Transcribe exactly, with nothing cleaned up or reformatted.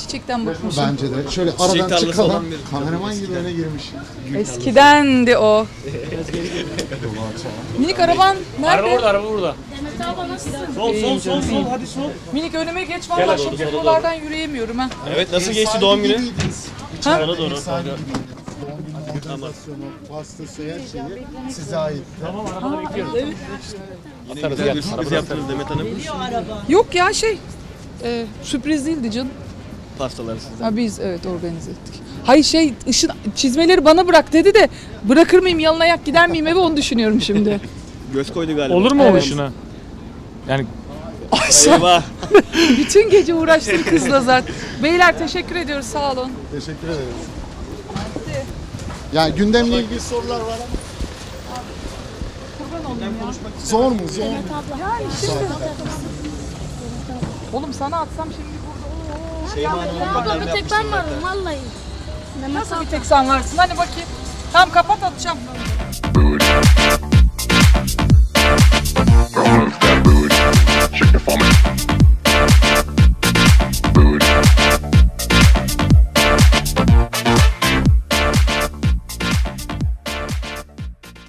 çiçekten bıkmışım. Bence de. Şöyle Çiçek aradan tarlası çıkalım. olan bir- Kameraman gibi öne girmiş. Eskidendi o. Minik araban nerede? Araba burada, araba burada. Sol, sol, sol, sol, hadi sol. Minik önüme geç vallahi çünkü buralardan yürüyemiyorum ha. Evet, nasıl geçti doğum günü? Ha? Bana doğru. Doğum günü organizasyonu, pastası, her şeyi size ait. Tamam, arabada bekliyoruz. Yine güzel bir sürpriz yaptınız Demet Hanım. Yok ya şey, e, sürpriz değildi canım. Pastaları sizden. Ha biz evet organize ettik. Hayır şey ışın çizmeleri bana bırak dedi de bırakır mıyım yalın ayak gider miyim eve onu düşünüyorum şimdi. Göz koydu galiba. Olur mu Evet. oluşuna? Yani Ay sen Eyvah. bütün gece uğraştın kızla zaten. Beyler teşekkür ediyoruz sağ olun. Teşekkür ederiz. Ya gündemle ilgili sorular var ama. Zor mu? Zor mu? Yani şimdi. Oğlum sana atsam şimdi burada. Şeyma Hanım'ın Abla gönderme bir tek ben yapmıştım varım vallahi. Mehmet Nasıl bir tek sen varsın? Hadi bakayım. Tamam kapat atacağım.